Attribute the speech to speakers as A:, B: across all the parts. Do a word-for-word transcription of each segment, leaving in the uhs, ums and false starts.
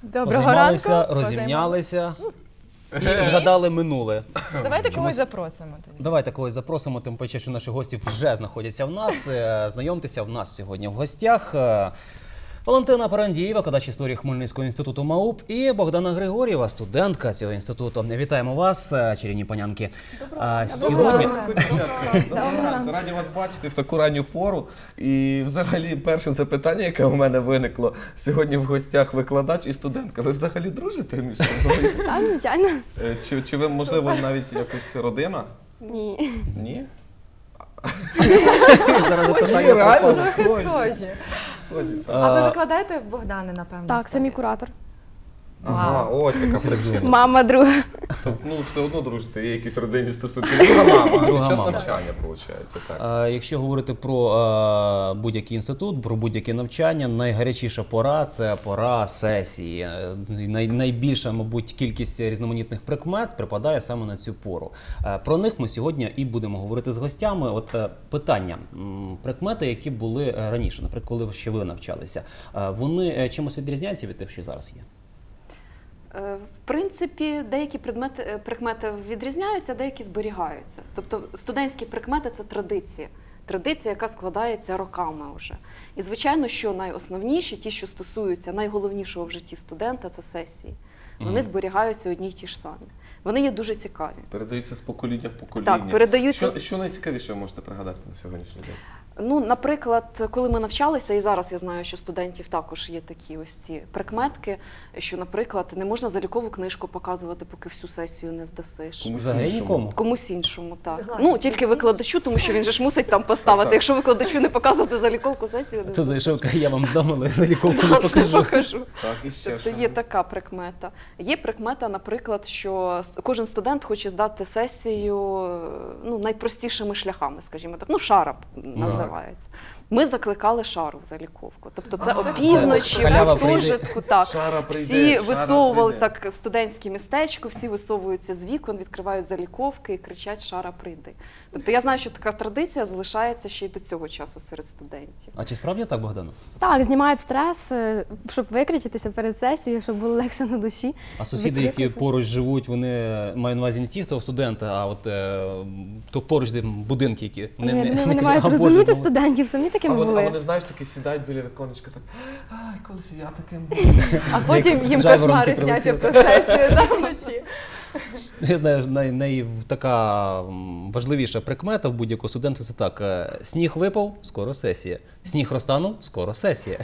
A: позаймалися, розімнялися і згадали минуле.
B: Давайте когось запросимо тоді.
A: Давайте когось запросимо, тим паче, що наші гості вже знаходяться в нас. Знайомтеся, в нас сьогодні в гостях Валентина Парандієва, викладач історії Хмельницького інституту МАУП, і Богдана Григорєва, студентка цього інституту. Вітаємо вас, чарівні панянки.
C: Доброго сьогодні... ранку. Раді вас бачити в таку ранню пору. І взагалі перше запитання, яке у мене виникло, сьогодні в гостях викладач і студентка. Ви взагалі дружите між собою?
D: Так, звичайно.
C: Чи, чи ви, можливо, навіть якось родина?
D: Ні.
C: Ні?
B: Схожі, реально схожі.
C: Схожі.
B: А ви викладаєте в Богдани, напевно?
D: Так, самі куратор.
C: Ага, ось яка причина.
D: Мама друга.
C: Тобто, ну, все одно дружите, є якісь родинні стосунки. Друга мама,
A: Друга
C: час
A: мама.
C: навчання, виходить, так.
A: А, Якщо говорити про а, будь-який інститут, про будь-яке навчання, найгарячіша пора – це пора сесії. Е, Най, найбільша, мабуть, кількість різноманітних прикмет припадає саме на цю пору. Е, Про них ми сьогодні і будемо говорити з гостями. От е, питання. М, Прикмети, які були е, раніше, наприклад, коли ще ви навчалися, е, вони е, чимось відрізняються від тих, що зараз є?
E: В принципі, деякі предмети, прикмети відрізняються, деякі зберігаються. Тобто студентські прикмети – це традиція. Традиція, яка складається роками вже. І, звичайно, що найосновніші, ті, що стосуються найголовнішого в житті студента – це сесії. Вони зберігаються одні й ті ж самі. Вони є дуже цікаві.
C: Передаються з покоління в покоління.
E: Так, передаються.
C: Що, що найцікавіше ви можете пригадати на сьогоднішній день?
E: Ну, наприклад, коли ми навчалися, і зараз я знаю, що студентів також є такі ось ці прикметки, що, наприклад, не можна залікову книжку показувати, поки всю сесію не здасиш.
C: Комусь
A: Взагалі
C: іншому.
A: нікому?
E: Комусь іншому, так.
B: Согласна.
E: Ну, тільки викладачу, тому що він же ж мусить там поставити. Якщо викладачу не показувати заліковку сесію, не
A: Хто зайшов, каже, я вам вдома, але заліковку не покажу.
E: покажу.
C: Так, і ще
E: Тобто
C: що?
E: є така прикмета. Є прикмета, наприклад, що кожен студент хоче здати сесію ну, найпростішими шляхами, скажімо так. Ну, шара називається. Ми закликали шару в заліковку. Тобто це
C: А,
E: опівночі,
A: це
E: в
A: халява
E: гуртожитку, так.
C: Шара прийде,
E: Всі
C: шара
E: висовувалися
C: прийде.
E: так в студентське містечко, всі висовуються з вікон, відкривають заліковки і кричать «Шара, прийди». Тобто я знаю, що така традиція залишається ще й до цього часу серед студентів.
A: А чи справді так, Богдано?
D: Так, знімають стрес, е, щоб викричатися перед сесією, щоб було легше на душі.
A: А сусіди, які
D: Викрикнути.
A: поруч живуть, вони мають на увазі не ті, хто студенти, а от е, то поруч, де будинки, які
D: Вони,
A: не, не,
D: вони,
A: не
D: мають
A: кажуть, «А, Боже,
D: розуміти
A: знову
D: студентів, самі
C: А
D: такими
C: вони, а
D: були.
C: вони, знаєш, такі сідають біля віконечка, так, ай, колись я таким був.
B: А потім їм
A: жайворонки
B: кошмари
A: прилетіли.
B: сняться про сесію там вночі.
A: Я знаю, най, най, така м, важливіша прикмета в будь-якого студента – це так. е, Сніг випав – скоро сесія. Сніг розтанув – скоро сесія.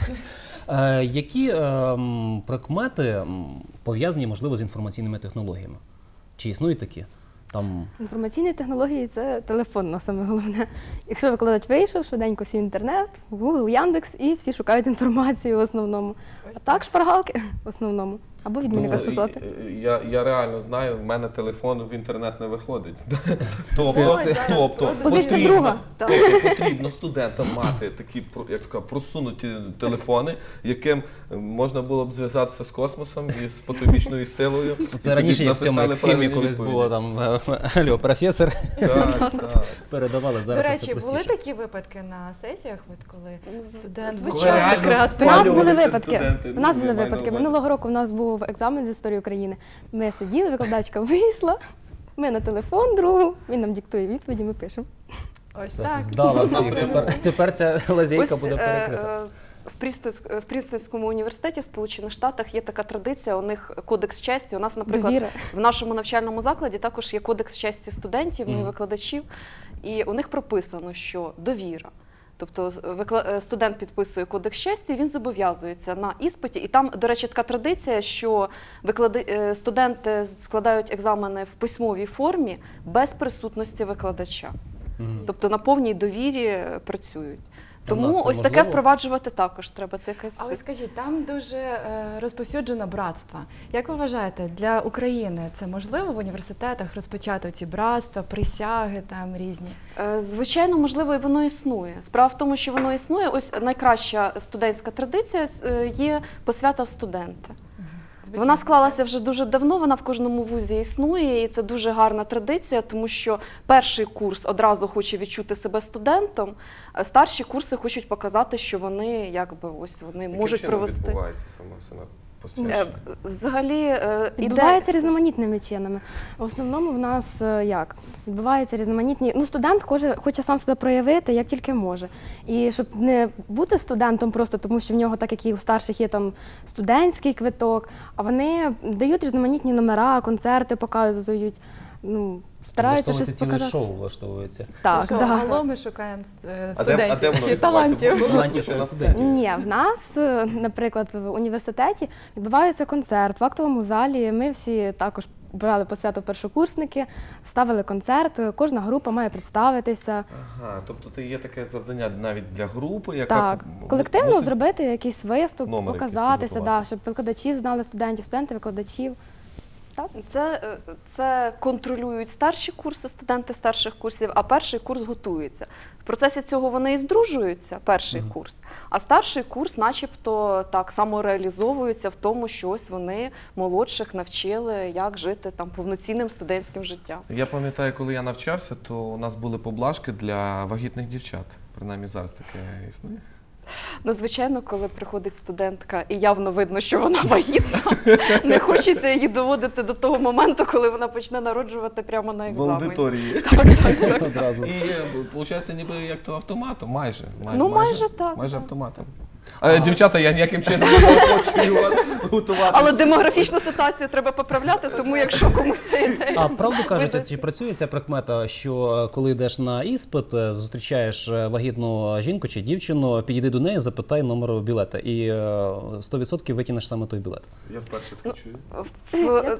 A: Е, Які е, м, прикмети м, пов'язані, можливо, з інформаційними технологіями? Чи існують такі? Там...
D: Інформаційні технології – це телефонно саме головне. Якщо викладач вийшов, швиденько всі інтернет, Google, Яндекс, і всі шукають інформацію в основному. А так шпаргалки в основному. Або відмінника
C: Ну,
D: списати.
C: і- і- Я, я реально знаю, в мене телефон в інтернет не виходить. Тобто,
B: Ой, зараз
C: тобто
D: Позичте
C: потрібно,
D: друга.
C: тобто потрібно студентам мати такі про- як така, просунуті телефони, яким можна було б зв'язатися з космосом і з потойбічною силою. І
A: Це
C: тоді
A: раніше, як в цьому
C: написали
A: як в фільмі,
C: правильні
A: колись
C: відповіді.
A: було там «Алло, професор»,
C: Так, так.
A: передавали,
B: До
A: зараз це
B: речі,
A: все
B: були
A: простіше.
B: такі випадки на сесіях, от коли студент був
C: Коли
B: часто
C: реально
D: У
B: креативний?
D: нас були
C: Спалювалися
D: випадки.
C: студенти,
D: У нас
C: ну,
D: були
C: я маю
D: випадки.
C: на увазі.
D: Минулого року у нас був екзамен з історії України. Ми сиділи, викладачка вийшла, ми на телефон другу, він нам диктує відповіді, ми пишемо.
B: Ось
A: Все,
B: так.
A: здала всіх. Тепер, тепер ця лазейка
E: Ось,
A: буде
E: е,
A: перекрита.
E: е, В Прістонськ- в Прістонському університеті в Сполучених Штатах є така традиція, у них кодекс честі. У нас, наприклад,
D: Довіра.
E: в нашому навчальному закладі також є кодекс честі студентів, ну і
A: Мгм.
E: викладачів, і у них прописано, що довіра. Тобто викла- е, студент підписує кодекс честі, він зобов'язується на іспиті. І там, до речі, така традиція, що виклади... е, студенти складають екзамени в письмовій формі без присутності викладача.
A: Мгм.
E: Тобто на повній довірі е, працюють.
A: А в нас
E: Тому
A: це
E: ось таке
A: можливо?
E: впроваджувати також треба. Це якась
B: Але скажіть, там дуже е, розповсюджено братство. Як ви вважаєте, для України це можливо в університетах розпочати ці братства, присяги там різні?
E: Е, звичайно, можливо, і воно існує. Справа в тому, що воно існує. Ось найкраща студентська традиція е, є посвята в студента. Вона склалася вже дуже давно, вона в кожному вузі існує, і це дуже гарна традиція, тому що перший курс одразу хоче відчути себе студентом, а старші курси хочуть показати, що вони якби ось вони
C: Яким
E: можуть
C: чином
E: провести.
C: відбувається сама, сама посвячує?
E: Е, Взагалі е, іде...
D: Відбувається різноманітними чинами. В основному в нас е, як? Відбуваються різноманітні. Ну, студент хоче, хоче сам себе проявити, як тільки може. І щоб не бути студентом просто тому, що в нього, так як і у старших, є там студентський квиток, а вони дають різноманітні номера, концерти показують. Ну, стараються щось
A: Влаштовується ціле
D: показати.
A: шоу влаштовується.
D: Так,
B: Що,
D: да.
B: алло, ми шукаємо е,
C: А де, а де
B: студентів
C: воно
B: чи
C: відбувається?
B: талантів.
C: Можна
A: Талантів
C: ще на
A: студентів.
C: сцені?
D: Ні, в нас, е, наприклад, в університеті відбувається концерт в актовому залі. Ми всі також брали по свято першокурсники, ставили концерт. Кожна група має представитися.
C: Ага, тобто це є таке завдання навіть для групи, яка
D: Так,
C: м-
D: колективно
C: мусить-
D: зробити якийсь виступ,
C: Номер якийсь
D: показатися,
C: підготувати.
D: да, щоб викладачів знали студентів, студенти викладачів.
E: Це, е, це контролюють старші курси, студенти старших курсів, а перший курс готується. В процесі цього вони і здружуються, перший
A: Мгм.
E: курс, а старший курс начебто так само реалізовується в тому, що ось вони молодших навчили, як жити там повноцінним студентським життям.
C: Я пам'ятаю, коли я навчався, то у нас були поблажки для вагітних дівчат. Принаймні зараз таке існує.
E: Ну, звичайно, коли приходить студентка і явно видно, що вона вагітна, не хочеться її доводити до того моменту, коли вона почне народжувати прямо на
C: В
E: екзамені.
C: аудиторії.
E: Так, так, так.
A: Одразу.
C: І виходить, ніби як то автоматом, майже. майже
E: Ну, майже так,
C: Майже
E: так.
C: автоматом. А, дівчата, я ніяким чином не заохочую вас готуватися.
E: Але демографічну ситуацію треба поправляти, тому якщо комусь ця ідея.
A: А правду кажуть,
E: видасть.
A: чи працює ця прикмета, що е, коли йдеш на іспит, е, зустрічаєш е, вагітну жінку чи дівчину, підійди до неї, запитай номер білета, і е, сто відсотків витягнеш саме той білет.
C: Я вперше таке чую.
E: В-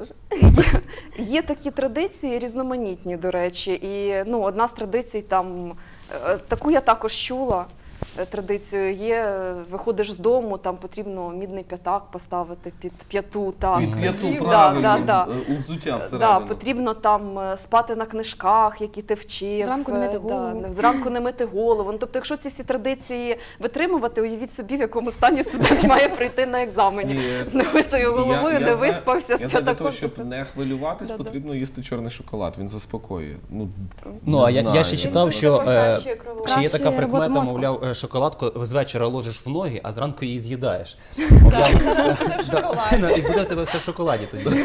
E: є, є такі традиції різноманітні, до речі, і ну, одна з традицій там, е, таку я також чула. е, Традицію є, е, виходиш з дому, там потрібно мідний п'ятак поставити під п'яту. Так.
C: Під п'яту
E: Да,
C: правильно,
E: да, да.
C: е, у взуття
E: Да,
C: всередину.
E: потрібно там е, спати на книжках, які ти вчив.
D: Зранку не мити
E: е,
D: голову.
E: Да, зранку не мити голову. Ну, тобто, якщо ці всі традиції витримувати, уявіть собі, в якому стані студент має прийти на екзамені.
C: Ні.
E: З немитою головою,
C: Я- я
E: не
C: знаю-
E: виспався,
C: Я
E: з
C: знаю, для того,
E: п'ятаком.
C: щоб не хвилюватись,
E: Да-да.
C: потрібно їсти чорний шоколад, він заспокоює. Ну,
A: Ну,
C: не
A: а я, я
C: знаю,
A: ще
C: я
A: читав,
C: не
A: що
C: знаю.
A: е,
B: Покращує кровообіг.
A: ще є така
D: Кращує роботу
A: прикмета,
D: мозку.
A: мовляв, е, шоколадку з вечора ложиш в ноги, а зранку її з'їдаєш. Мовляв,
B: Все в шоколаді.
A: да, і буде в тебе все в шоколаді тоді.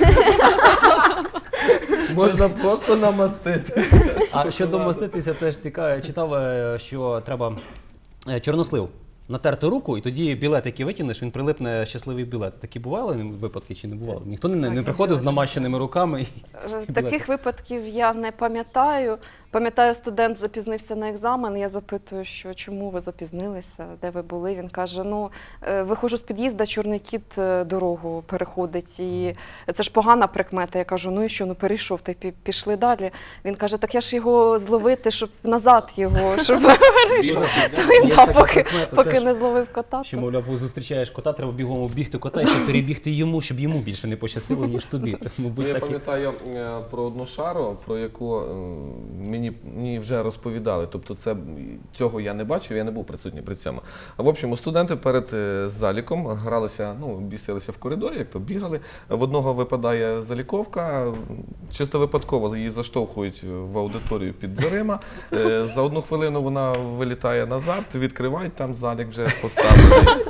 C: Можна просто намастити.
A: А щодо маститися, теж цікаво, читав, е, що треба е, чорнослив натерти руку, і тоді білет, який витягнеш, він прилипне щасливий білет. Такі бували випадки чи не бували? Ніхто не, не
B: Так,
A: приходив з
B: я
A: намащеними руками. І...
E: Е, Таких випадків я не пам'ятаю. Пам'ятаю, студент запізнився на екзамен. Я запитую, що чому ви запізнилися, де ви були. Він каже: ну е, виходжу з під'їзда, чорний кіт е, дорогу переходить, і це ж погана прикмета. Я кажу, ну і що, ну перейшов, та й пі- пішли далі. Він каже, так я ж його зловити, щоб назад його, щоб перейшов.
A: Є
E: Да,
A: така
E: поки,
A: прикмета
E: поки
A: теж,
E: не зловив кота.
A: що,
E: то-
A: мовляв, зустрічаєш кота, треба бігом оббігти кота, і щоб перебігти йому, щоб йому більше не пощастило, ніж тобі. Мабуть,
C: Я
A: так і...
C: пам'ятаю е, про одну шару, про яку е, мені, мені вже розповідали. Тобто це, цього я не бачив, я не був присутній при цьому. В общем, студенти перед е, заліком гралися, ну, бісилися в коридорі, як то бігали. В одного випадає заліковка, чисто випадково її заштовхують в аудиторію під дверима. Е, За одну хвилину вона вилітає назад, відкривають, там залік вже поставлений.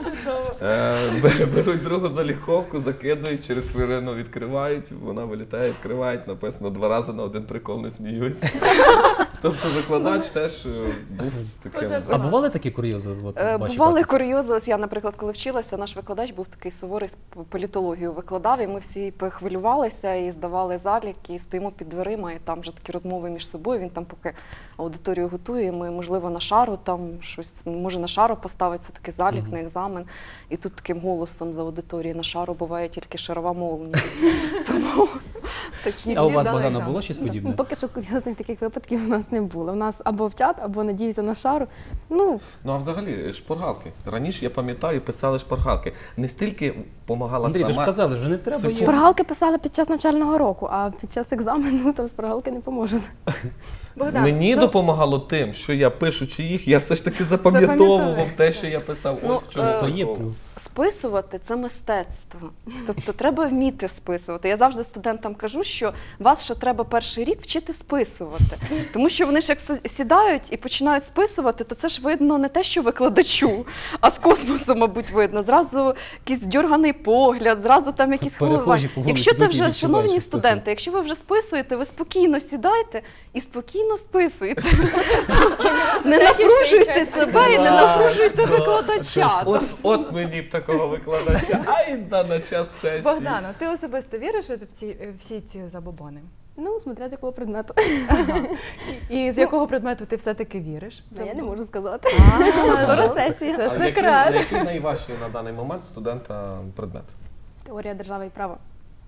C: Е, бе- Беруть другу заліковку, закидують, через хвилину відкривають, вона вилітає, відкривають, написано два рази на один прикол не сміюсь. Тобто викладач теж е, був таким.
B: Боже,
A: А бували такі курйози? От,
E: Е,
A: в вашій
E: Бували
A: практиці?
E: курйози. Ось я, наприклад, коли вчилася, наш викладач був такий суворий, з політологію викладав, і ми всі похвилювалися і здавали заліки, і стоїмо під дверима, і там вже такі розмови між собою. Він там поки аудиторію готує, ми, можливо, на шару там щось, може на шару поставиться такий залік
A: Мгм.
E: на екзамен. І тут таким голосом з аудиторії: на шару буває тільки шарова молнія. Тому такі
A: А у
B: всі
A: вас,
B: здали
A: Богдана,
B: екзамен.
A: було щось подібне?
D: Ну, поки що курйозних таких випадків у нас не було. У нас або вчать, або надіються на шару. Ну,
C: Ну а взагалі шпаргалки. Раніше я пам'ятаю, писали шпаргалки. Не стільки допомагала
A: Андрій, ти ж
C: сама.
A: казали, вже не треба
C: Це
A: є.
D: шпаргалки писали під час навчального року, а під час екзамену то шпаргалки не поможуть.
B: Богдан,
C: Мені
B: ну,
C: допомагало тим, що я пишучи їх, я все ж таки запам'ятовував
B: Запам'ятовуєш.
C: те, що я писав.
E: Ну,
C: Ось в чому
E: е,
A: То є
C: прикол.
A: плюс.
E: списувати – це мистецтво. Тобто треба вміти списувати. Я завжди студентам кажу, що вас ще треба перший рік вчити списувати. Тому що вони ж як си- сідають і починають списувати, то це ж видно не те, що викладачу, а з космосу, мабуть, видно. Зразу якийсь дьорганий погляд, зразу там якісь
A: Перехожі
E: хвилювання.
A: по вулиці
E: Якщо ти
A: йдуть і
E: вже,
A: відчувають,
E: шановні
A: що
E: студенти,
A: списують.
E: якщо ви вже списуєте, ви спокійно сідайте і спокійно списуєте. Не напружуйте себе і не напружуйте викладача.
C: От, от мені б такого викладача, ай да на час сесії.
B: Богдано, ти особисто віриш в ці всі ці забобони?
D: Ну, смотря з якого предмету.
B: І з якого предмету ти все-таки віриш?
D: Ну, я не можу сказати.
B: А,
D: Скоро
B: ну,
D: сесія.
B: Це
C: А який,
B: секрет.
C: який найважчий на даний момент студента предмет?
D: Теорія держави і права.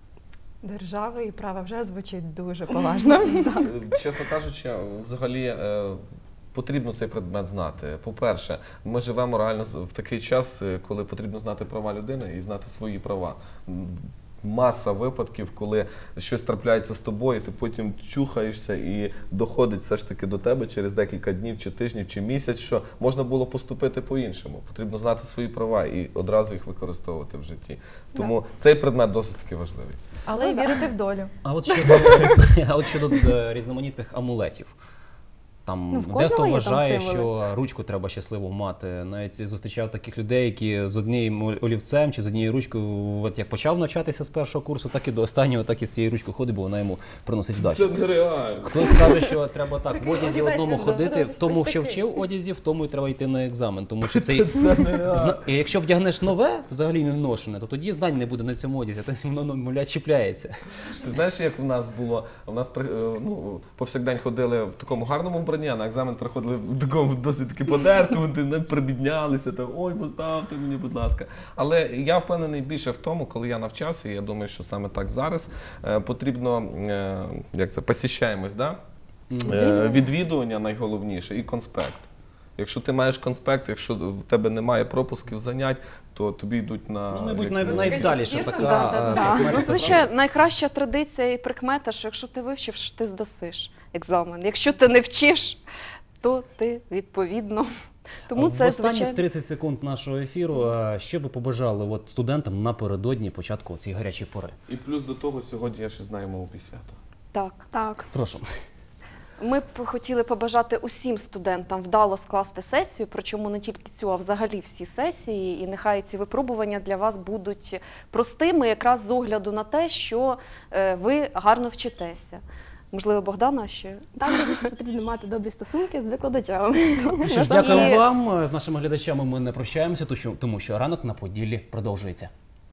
B: Держава і право вже звучить дуже поважно.
C: Е, Чесно кажучи, взагалі е, потрібно цей предмет знати. По-перше, ми живемо реально в такий час, е, коли потрібно знати права людини і знати свої права. М, Маса випадків, коли щось трапляється з тобою, ти потім чухаєшся і доходить все ж таки до тебе через декілька днів, чи тижнів, чи місяць, що можна було поступити по-іншому. Потрібно знати свої права і одразу їх використовувати в житті. Тому цей предмет досить таки важливий.
B: Але й вірити в долю.
A: А от щодо, а от щодо е, різноманітних амулетів. Там
D: Ну, в
A: дехто
D: кожного є там
A: вважає,
D: символи.
A: що ручку треба щасливо мати. Навіть зустрічав таких людей, які з одним олівцем чи з однією ручкою, от як почав навчатися з першого курсу, так і до останнього, так і з цією ручкою ходить, бо вона йому приносить вдачу.
C: нереально.
A: Хтось каже, що треба так в
B: Такий
A: одязі
B: одівайся
A: одному
B: ж,
A: ходити,
B: да,
A: в тому,
B: ось
A: що
B: такий.
A: вчив одязі, в тому і треба йти на екзамен. Тому що цей
C: Це нереально.
A: Зна- і якщо вдягнеш нове, взагалі не ношене, то тоді знань не буде на цьому одязі, то воно мовляв чіпляється.
C: Ти знаєш, як в нас було? У нас при- е, ну, повсякдень ходили в такому гарному вбранні, а на екзамен приходили в такому досить таки подертому, ти не прибіднялися, там, ой, поставте мені, будь ласка. Але я впевнений більше в тому, коли я навчався, і я думаю, що саме так зараз е, потрібно, е, як це, посіщаємось, да? Е, відвідування найголовніше і конспект. Якщо ти маєш конспект, якщо в тебе немає пропусків занять, то тобі йдуть на...
A: Ну, мабуть,
C: як-
A: най- найвдаліша
B: Чесно,
A: така
B: да,
A: е,
D: да.
A: прикмета,
E: Ну,
A: це
E: звичайно, найкраща традиція і прикмета, що якщо ти вивчиш, ти здасиш екзамен. Якщо ти не вчиш, то ти відповідно. Тому
A: в
E: це
A: останні
E: звичайно.
A: тридцять секунд нашого ефіру, а що би побажали от студентам напередодні початку цієї гарячої пори?
C: І плюс до того, сьогодні я ще знаю мову свято.
E: Так.
D: Так.
A: Прошу.
E: Ми б хотіли побажати усім студентам вдало скласти сесію, причому не тільки цю, а взагалі всі сесії. І нехай ці випробування для вас будуть простими, якраз з огляду на те, що е, ви гарно вчитеся. Можливо, Богдана ще?
D: Також потрібно мати добрі стосунки з викладачами.
A: Що ж,
E: І-
A: дякую вам. З нашими глядачами ми не прощаємося, тому що- тому що ранок на Поділлі продовжується.